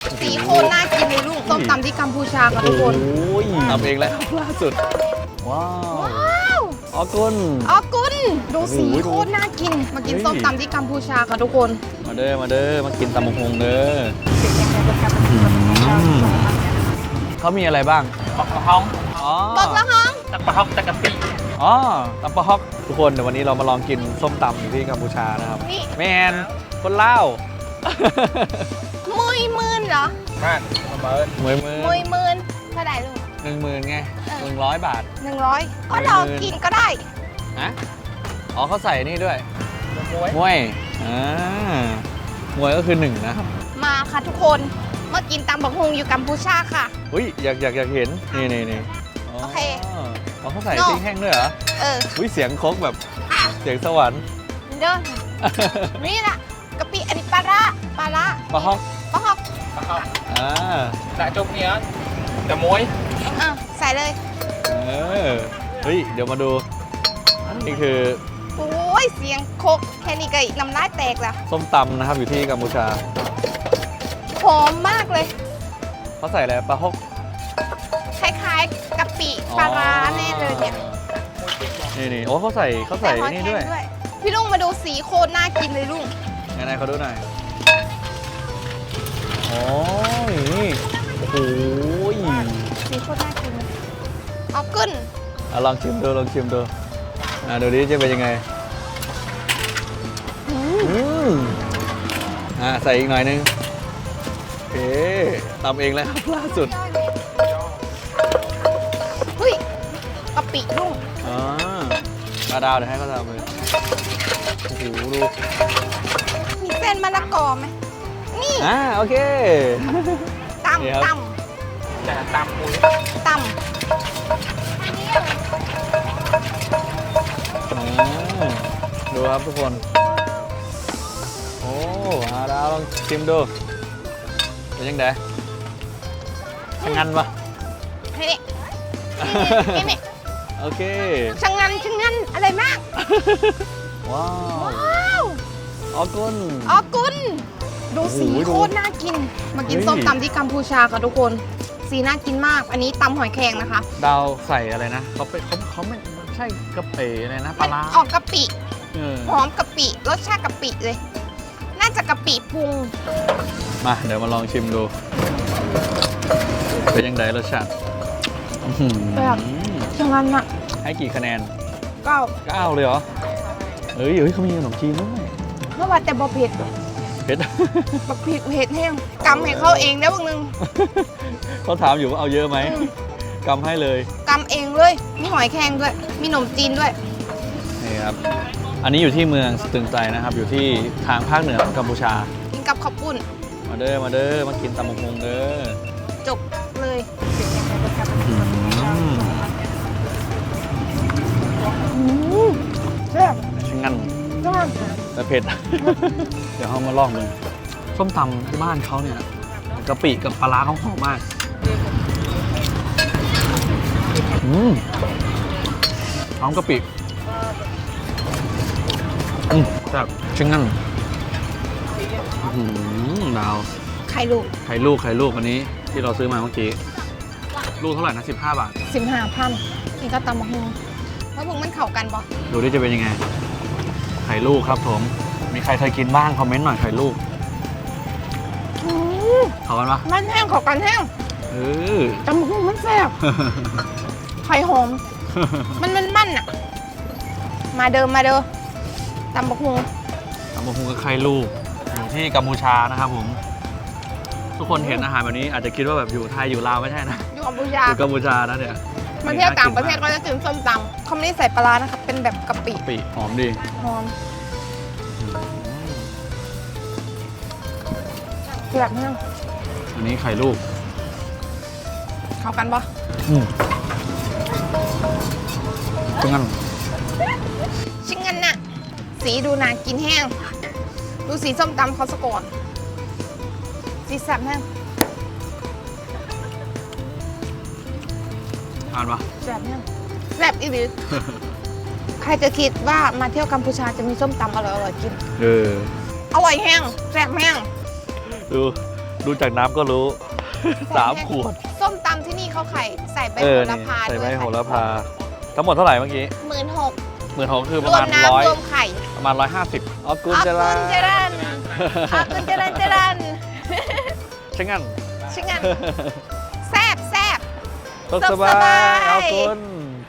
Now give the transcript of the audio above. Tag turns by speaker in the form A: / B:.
A: สีโคตรน่ากินเลยลูกส้มตำที่กัมพูชาค่ะทุกคน
B: โอ้ยทำเองแล้วล่าสุดว้าวออกุน
A: อ๋อกุนดูสีโคตรน่ากินมากินส้มตำที่กัมพูชาค่ะทุกคน
B: มาเด้อมากินตำบักฮงเด้อเขามีอะไรบ้าง
C: บักกะฮ้อง
B: อ๋อ
A: บอกแล้วฮะ
C: ตักปะฮ้องตักกะปิ
B: อ๋อตำปะฮอกทุกคนเดี๋ยววันนี้เรามาลองกินส้มตำอยู่ที่กัมพูชานะครับ
A: นี่
B: แมนคนเล่าว
A: มุยมื่นเหรอ
C: มากมาเบิร์ด
B: มือ
A: มุยมื่นเท่าไหร่ลูก
B: 10,000ไง100 บาท
A: 100ก็ลองกินก็ได้
B: ฮะอ๋อเขาใส่นี่ด้วย
C: มวย
B: มวยมวยก็คือ1นะครับ
A: มาค่ะทุกคนมากินตำบักฮุงอยู่กัมพูชาค่ะ
B: อุ้ยอยากเห็นนี่อ๋อ
A: โอเค
B: อ๋อเขาใส่
A: โน่
B: พริกแห้งด้วยเหรอ
A: เออ
B: อุ้ยเสียงโคกแบบเสียงสวรรค์
A: เด้อนี่ล่ะกะปิอันนี้ปลาร้า
B: ปลาฮอก
A: ปลาฮอก
C: ปะฮ้อง
B: อ่า
C: แต่จบเนี้ยแต่มวย
A: ใส่เลย
B: เฮ้ยเดี๋ยวมาดูนี่คือ
A: โอ้ยเสียงโคกแค่นี้ก็น้ำลายแตกแล้ว
B: ส้มตำนะครับอยู่ที่กัมพูชา
A: หอมมากเลย
B: เขาใส่อะไรปลาฮอก
A: คล้ายๆกะปิปลาร้าแน่เลยเนี่ย
B: นี่โอ้เขาใส่
A: แต่หอย
B: นี่
A: แคร
B: ด้วย
A: งด้วย พี่ลุงมาดูสีโคตรน่ากินเลยลุง
B: ไหนๆเขาดูหน่อยโอ้ยนี่โอ้โห
A: สีโคตรน่ากินเอาขึ้น
B: ลองชิมดูดูดิจะเป็นยังไงใส่อีกหน่อยนึงโอเคตำเองแล้วครับล่าสุด
A: เฮ้ยกะปิลุง
B: มาดาวเดี๋ยวให้เขาทำเลยโอ้โหดู
A: มีเส้นมะละกอไหมนี่
B: โอเค นี่ครับ
A: ตำ
C: แต่ตามมวย
A: ต
B: ดูครับทุกคน โอ้มาดาวลองชิมดูเป็นยังไงชะงันปะ
A: ำให้นี่
B: โอเค
A: ชะงันอะไรมาก
B: ว้าว
A: ว้าว
B: ออกุน
A: อ๋อกุนดูสี
B: โอ้โหดู
A: โคตรน่ากิน มากิน
B: เฮ้ย
A: ส้มตำที่กัมพูชาค่ะทุกคน สีน่ากินมาก อันนี้ตำหอยแครงนะคะ
B: ดาวใส่อะไรนะเขาไม่ใช่กะปิอะไรนะป
A: มั
B: ลาร้า
A: ออกกะปิ
B: เออ
A: หอมกะปิรสชาติกะปิเลย น่าจะกะปิปรุง
B: มาเดี๋ยวมาลองชิมดู เป็นยังไงรสชาติอื้อหือ
A: แบบชะงันอะ
B: ให้กี่คะแนน
A: ก็
B: 9เลยเหรอเฮ้ยเขามีขนมจีนด้วย
A: เมื่อวานแต่บอเผ็ด
B: เผ็ด
A: บักผิดเผ็ดแห้งกำให้เขาเองได้บ้างนึง
B: เขาถามอยู่ว่าเอาเยอะไหมกำให้เลย
A: กำเองเลย มีหอยแครงด้วย มีขนมจีนด้วย
B: นี่ครับ อันนี้อยู่ที่เมืองสตึงใจนะครับ อยู่ที่ทางภาคเหนือของกัมพูชา
A: กินกับข้าวปุ้น
B: มาเด้อมากินตำบักฮงเด้อ
A: จบเลย แซ่บ
B: ช่างงั้น
A: จัง
B: แต่เผ็ด เดี๋ยวเขามาลองดูส้มตำที่บ้านเขาเนี่ยกะปิกับปลาร้าเขาหอมมากหอมกะปิแบบช่างงั้นดาว
A: ไข่ลูก
B: ไข่ลูกอันนี้ที่เราซื้อมาเมื่อกี้ ลูกเท่าไหร่นะ15 บาท
A: 15,000นี่ก็ตำมะฮุงแล้วพวกมันเข้ากันปะ
B: ดูดิจะเป็นยังไง ไข่ลูกครับผม มีใครเคยกินบ้างคอมเมนต์หน่อยไข่ลูกเขากันปะ
A: มันแห้งเข้ากันแห้ง
B: เออ
A: ตำมะฮุงมันแซ่บ ไข่หอม มันอะมาเดิมตำมะฮุง
B: ตำบักหุ่งกับไข่ลูกอยู่ที่กัมพูชานะครับผม ทุกคนเห็นอาหารแบบนี้อาจจะคิดว่าแบบอยู่ไทยอยู่ลาวไม่ใช่นะ
A: อยู่กัมพูชา
B: อยู่กัมพูชานะเนี่ย
A: มาเที่ยวต่างประเทศก็จะกินส้มตำเขาไม่ได้ใส่ปลาร้านะคะเป็นแบบกะปิ
B: กะปิหอมดี
A: หอมแซ่บมาก
B: อันนี้ไข่ลูก
A: เข้ากันปะ
B: ซึ่งงั้น
A: ชิ้นเงินน่ะ สีดูน่ากินแห้ง ดูสีส้มตำเขาสะก่อนสีแซ่บแห้ง
B: ทานปะ
A: แซ่บแห้งแซ่บอีหลีใครจะคิดว่ามาเที่ยวกัมพูชาจะมีส้มตำอร่อยๆกิน
B: เออ
A: อร่อยแห้งแซ่บแห้ง
B: ดูดูจากน้ำก็รู้ 3 ขวด
A: ส้มตำที่นี่เขาไข่ใส่ใบ
B: เอ
A: โห
B: อ
A: ระ
B: นี่
A: พา
B: ใส่
A: ด้
B: ใบ
A: วย
B: โหระพา ทั้งหมดเท่าไหร่เมื่อกี้
A: 16,000
B: 16,000คือ
A: ร
B: ประ
A: ว
B: มาม ณ
A: น้ำรวมไข่
B: ประมาณ 150อ๋อกุน
A: อา
B: จะ
A: กุ
B: ละ
A: นเจรันอากุนเจรันเจรัน
B: ใช่งั้น
A: ชิงันแซบแซบ
B: ตกส
A: ส
B: บา
A: บาย ย
B: เอากุน